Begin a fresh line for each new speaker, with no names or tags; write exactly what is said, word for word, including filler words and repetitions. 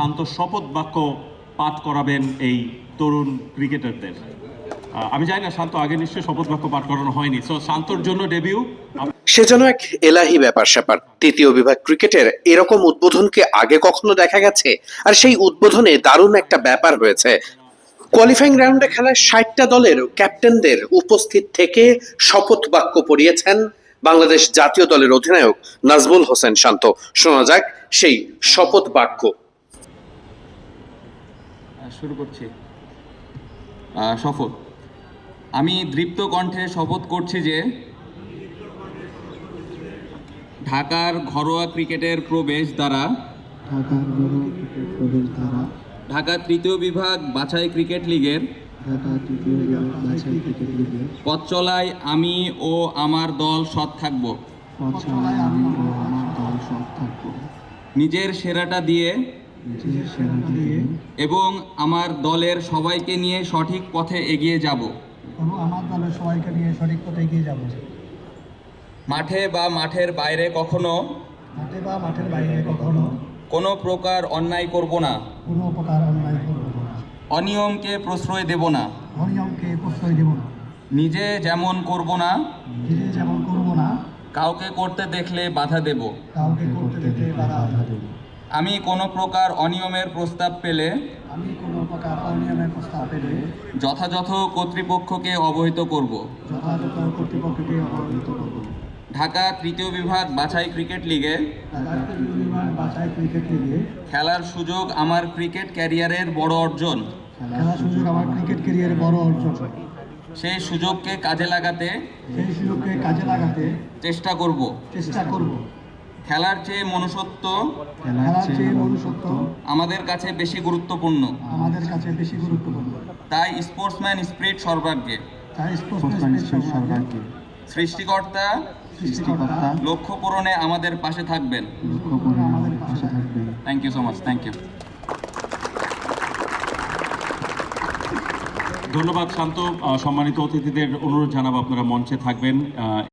শান্ত শপথ বাক্য পাঠ করাবেন এই তরুণ ক্রিকেটারদের। আমি জানি না শান্ত আগে নিশ্চয়ই শপথ বাক্য পাঠ করানো হয়নি, সো শান্তর জন্য ডেবিউ।
সে যেন এক এলাহি ব্যাপার স্যাপার। তৃতীয় বিভাগ ক্রিকেটের এরকম উদ্বোধনকে আগে কখনো দেখা গেছে? আর সেই উদ্বোধনে দারুণ একটা ব্যাপার হয়েছে। কোয়ালিফাইং রাউন্ডে খেলায় ষাটটা দলের ক্যাপ্টেনদের উপস্থিত থেকে শপথ বাক্য পড়িয়েছেন বাংলাদেশ জাতীয় দলের অধিনায়ক নাজমুল হোসেন শান্ত। শোনা যাক সেই শপথ বাক্য।
শুরু করছি। শপথ। আমি দৃপ্ত কণ্ঠে শপথ করছি যে ঢাকার ঘরোয়া ক্রিকেটের প্রবেশ দ্বারা
ঢাকার ঘরোয়া ক্রিকেট প্রবেশ দ্বারা
ঢাকা তৃতীয় বিভাগ বাছাই ক্রিকেট লিগের
ঢাকা তৃতীয় বিভাগ বাছাই ক্রিকেট লিগের
পথ চলায় আমি ও আমার দল সৎ থাকব।
পথ চলায় আমি ও আমার দল সৎ থাকব।
নিজের সেরাটা দিয়ে
নিজের সেরাটা দিয়ে
এবং আমার দলের সবাইকে নিয়ে সঠিক পথে এগিয়ে যাব।
এবং আমার দলের সবাইকে নিয়ে সঠিক পথে এগিয়ে যাব।
মাঠে বা মাঠের বাইরে কখনো
মাঠে বা মাঠের বাইরে কখনো
কোনো প্রকার অন্যায় করব না,
কোনো প্রকার অন্যায় করব না,
অনিয়মকে প্রশ্রয় দেব না,
অনিয়মকে প্রশ্রয় দেব না,
নিজে যেমন করব না
নিজে যেমন করব না,
কাউকে করতে দেখলে বাধা দেব।
কাউকে করতে দেখে বাধা দেব।
আমি কোনো প্রকার অনিয়মের প্রস্তাব পেলে
আমি কোনো প্রকার অনিয়মের প্রস্তাব পেলে
যথাযথ কর্তৃপক্ষকে অবহিত করব।
যথাযথ কর্তৃপক্ষকে অবহিত করব।
ঢাকা তৃতীয় বিভাগ বাছাই ক্রিকেট লিগে
ঢাকা তৃতীয় বিভাগ বাছাই ক্রিকেট লিগে
খেলার সুযোগ আমার ক্রিকেট ক্যারিয়ারের বড় অর্জন।
খেলার সুযোগ আমার ক্রিকেট ক্যারিয়ারে বড় অর্জন।
সেই সুযোগকে কাজে লাগাতে
সেই সুযোগকে কাজে লাগাতে
চেষ্টা করব।
চেষ্টা করব।
খেলার চেয়ে মনুষ্যত্ব
খেলার চেয়ে মনুষ্যত্ব
আমাদের কাছে বেশি গুরুত্বপূর্ণ।
আমাদের কাছে বেশি গুরুত্বপূর্ণ।
তাই স্পোর্টসম্যান স্পিরিট সর্বাগ্রে।
তাই স্পোর্টসম্যান স্পিরিট সর্বাগ্রে।
সৃষ্টিকর্তা
সৃষ্টিকর্তা
লক্ষ্য পূরণে আমাদের পাশে থাকবেন।
লক্ষ্য করে আমাদের পাশে থাকবেন।
Thank you so much. Thank you.
ধন্যবাদ শান্ত। সম্মানিত অতিথিদের অনুরোধ জানাবো আপনারা মঞ্চে থাকবেন।